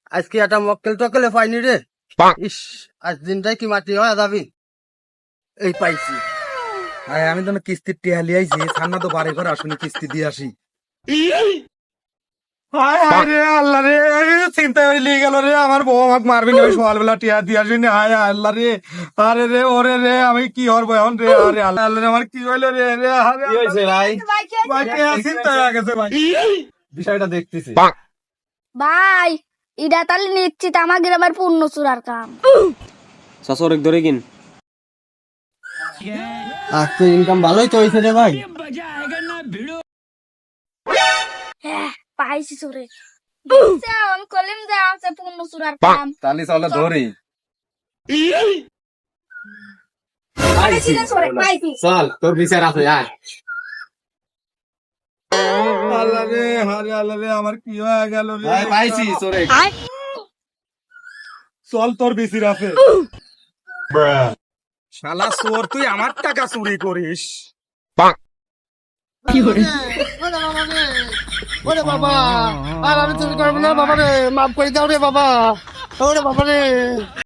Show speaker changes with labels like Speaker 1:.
Speaker 1: আজকে একটা মক্কেল টকেলে পাইনি রে। ইস, আজ দিনটাই কি মাটি হয় যাবি। এই পাইছি।
Speaker 2: আমি তো কিস্তির টিয়া লিয়াইছি, সান্না তো বাড়ি করে আসুনি, কিস্তি দিয়ে আসি। হায় হায় রে আল্লাহ রে, চিন্তা করে লিয়ে গেল রে, আমার বউ আমাকে মারবি না, সকালবেলা টিয়া দিয়ে আসবি। হায় আল্লাহ রে, আরে রে ওরে রে, আমি কি হরবো এখন রে? আরে আল্লাহ আল্লাহ রে, আমার কি হইলো রে? রে আরে
Speaker 1: কি হয়েছে ভাই?
Speaker 2: ভাই, টিয়া চিন্তা হয়ে গেছে ভাই।
Speaker 1: বিষয়টা দেখতেছি।
Speaker 3: ভাই ইডা তাহলে নিশ্চিত আমার গ্রামের পূর্ণ চূড়ার কাম।
Speaker 4: শাসরেক ধরে কিন।
Speaker 1: আজকে ইনকাম ভালোই তো হয়েছে রে ভাই।
Speaker 3: হ্যাঁ পাইছি চোরে। আমি কলিম যে আছে পূর্ণ চূড়ার কাম।
Speaker 2: তালি চলে ধরি।
Speaker 3: পাইছি না চোরে, পাইছি।
Speaker 1: চল তোর বিচার আছে আয়।
Speaker 2: আল্লাহ রে, আরে আল্লাহ রে, আমার কি হয়ে গেল রে?
Speaker 1: ভাই পাইছি চোরে।
Speaker 2: চল তোর বিসির আছে। শালা চোর, তুই আমার টাকা চুরি করিস।
Speaker 1: ওরে বাবা, আর আমি চুরি করবো না বাবা রে, মাফ করে দাও রে বাবা। ওরে বাবা রে।